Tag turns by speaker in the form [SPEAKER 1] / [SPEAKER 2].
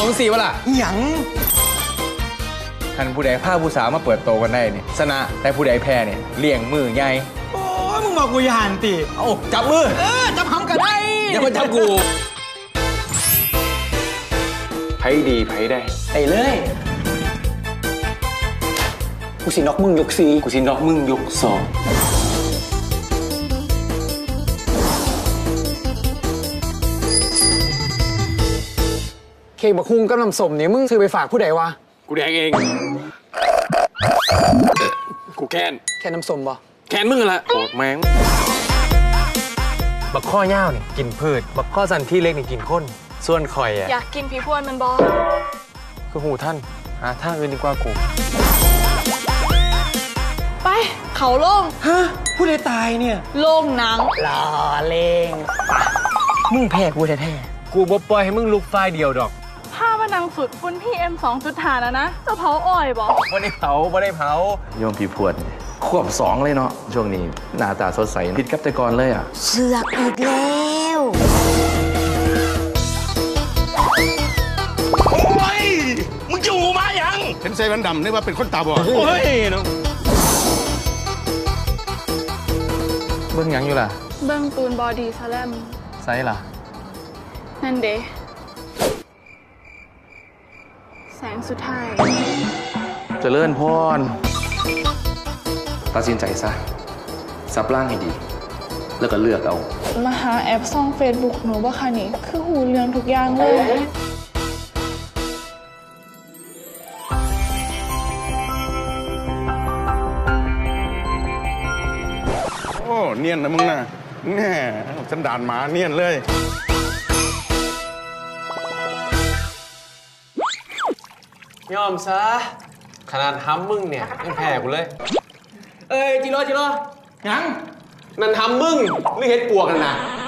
[SPEAKER 1] สี่วะล่ะ
[SPEAKER 2] หยัง
[SPEAKER 1] ท่านผู้ใดผ้าผู้สาวมาเปิดโตกันได้เนี่ยชนะแต่ผู้ใดแพ้เนี่ยเลี่ยงมือไง
[SPEAKER 2] โอ้ยมึงบอกกูอย่าหันติ
[SPEAKER 1] เอ้าจับมือ
[SPEAKER 2] จับหำกันได้
[SPEAKER 1] อย่ามาจับกูไพ่ดีไพ่ได้
[SPEAKER 2] ไอ้เลยกูสิน็อกมึงยกสี่
[SPEAKER 1] กูสิน็อกมึงยกสอง
[SPEAKER 2] เค้กบักฮุ้งกับน้ำส้มเนี่ยมึงซื้อไปฝากผู้ใดวะ
[SPEAKER 1] กูแดกเองกูแค่
[SPEAKER 2] น้ำส้มบ่
[SPEAKER 1] แค้นมึงละโกรธแมงบักข้อย่าวนี่กินพืชบักข้อสันที่เล็กนี่กินข้นส่วนข่อยอ่ะ
[SPEAKER 3] อยากกินผีพวนมันบอ
[SPEAKER 1] คือหูท่านท่าอื่นดีกว่ากู
[SPEAKER 3] ไปเขาโล่ง
[SPEAKER 1] ฮะผู้ใดตายเนี่ย
[SPEAKER 3] โล่งหนัง
[SPEAKER 2] รอเล่งมึงแพ้กูแท้
[SPEAKER 1] ๆกูบ่ปล่อยให้มึงลุกไฟเดียวดอก
[SPEAKER 3] ผ้ามานังฝึกฝุ่นPM 2.5นะจะเผาอ้อยบอก
[SPEAKER 1] ไม่ได้เผา
[SPEAKER 4] โยมผีพวดขวบ2เลยเนาะช่วงนี้หน้าตาสดใสผิดกับแต่ก่อนเลยอ่ะ
[SPEAKER 5] เสือกอีกแล้ว
[SPEAKER 6] โอ้ยมึงจะหูมายังเห็นเซเว่นดำนึกว่าเป็นคนตาบอดโอ้ยน้อง
[SPEAKER 1] เบิ้งยังอยู่ล่ะ
[SPEAKER 3] เบิ้งตูนบอดี้สแลม
[SPEAKER 1] ไซล่ะ
[SPEAKER 3] นั่นเดแสงสุดท้าย
[SPEAKER 4] เจริญพรตัดสินใจซะซับร่างให้ดีแล้วก็เลือกเอา
[SPEAKER 3] มาหาแอปซ่องเฟซบุ๊กหนูบ่คะนี่คือหูเรื่องทุกอย่างเลย
[SPEAKER 6] โอ้เนียนนะมึงนะแน่ฉันด่านหมาเนียนเลย
[SPEAKER 1] ยอมซะขนาดทำมึงเนี่ยยังแพ้กูเลย
[SPEAKER 2] จิโร่ยัง
[SPEAKER 1] นั่นทำมึงหรือเฮ็ดปวกกันนะ